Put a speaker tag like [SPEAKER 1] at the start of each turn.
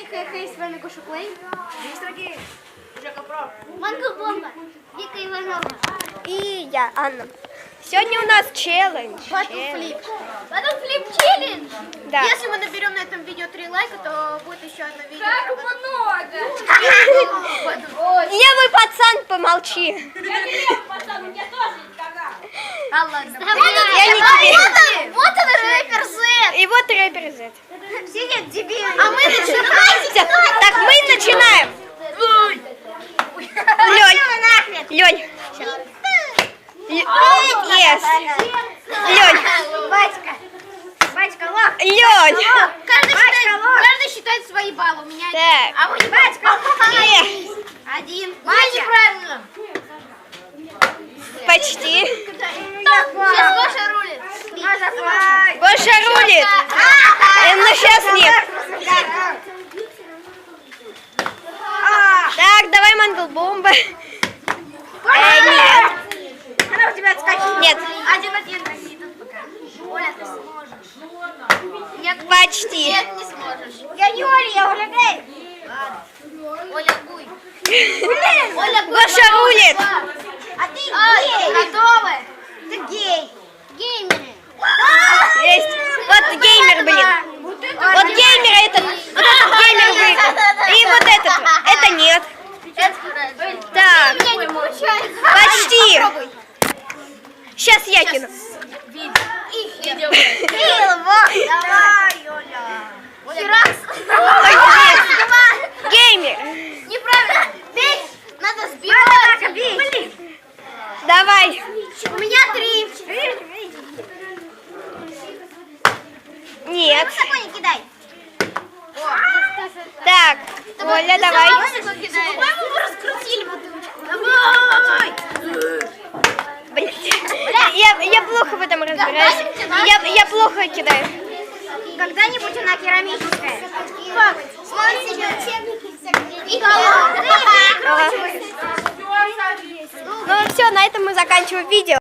[SPEAKER 1] хей, с вами Гоша Плей.
[SPEAKER 2] Манго Бомба. Вика Иванова.
[SPEAKER 3] И я, Анна. Сегодня у нас челлендж.
[SPEAKER 1] Батлфлип.
[SPEAKER 2] Батлфлип челлендж.
[SPEAKER 3] Да.
[SPEAKER 1] Если мы наберем на этом видео 3 лайка, то будет еще одно видео.
[SPEAKER 2] Как много.
[SPEAKER 3] Левый пацан, помолчи.
[SPEAKER 2] Я не лев, пацан, у меня тоже есть канал.
[SPEAKER 1] А ладно.
[SPEAKER 3] Я не тебе.
[SPEAKER 1] Вот он, рэпер Z.
[SPEAKER 3] И вот рэпер Z.
[SPEAKER 1] Все дебилы. А мы начинаем.
[SPEAKER 3] Так, мы начинаем. Лёнь. Лёнь. Yes. Лёнь.
[SPEAKER 1] Батька, лох.
[SPEAKER 3] Лёнь.
[SPEAKER 1] Каждый считает свои баллы. У меня
[SPEAKER 3] Так.
[SPEAKER 1] А вы не батька. Один. Неправильно.
[SPEAKER 3] Почти.
[SPEAKER 1] Сейчас Гоша рулит.
[SPEAKER 3] Гоша рулит. Но сейчас нет. Так, давай мангл бомба. Нет.
[SPEAKER 1] Она у тебя отскочила.
[SPEAKER 3] Нет.
[SPEAKER 1] 1-1. Оля, ты сможешь. Нет,
[SPEAKER 3] Почти.
[SPEAKER 1] Нет, не сможешь.
[SPEAKER 2] Я не Оля, я Оля Гей.
[SPEAKER 1] Оля Гуй.
[SPEAKER 3] Гоша рулит.
[SPEAKER 2] А ты гей.
[SPEAKER 1] Готовы?
[SPEAKER 2] Ты гей. Геймеры.
[SPEAKER 3] Есть. Вот геймер, блин. Вот геймер этот. Вот этот геймер выиграл. И вот этот. Это нет. Так.
[SPEAKER 1] У меня не получается.
[SPEAKER 3] Почти.
[SPEAKER 1] Попробуй.
[SPEAKER 3] Сейчас я кину.
[SPEAKER 1] Видео.
[SPEAKER 2] Давай, Оля.
[SPEAKER 1] Херакс.
[SPEAKER 3] Геймер.
[SPEAKER 1] Неправильно. Бей. Надо сбивать.
[SPEAKER 2] Блин.
[SPEAKER 3] Давай.
[SPEAKER 1] У меня 3.
[SPEAKER 3] Нет.
[SPEAKER 2] Такой не кидай.
[SPEAKER 3] Так. Оля, давай.
[SPEAKER 1] По-моему, мы раскрутили бутылочку. Давай.
[SPEAKER 3] Блин. Я плохо в этом разбираюсь. Я плохо кидаю.
[SPEAKER 2] Когда-нибудь она керамическая.
[SPEAKER 1] И
[SPEAKER 3] Ну все, на этом мы заканчиваем видео.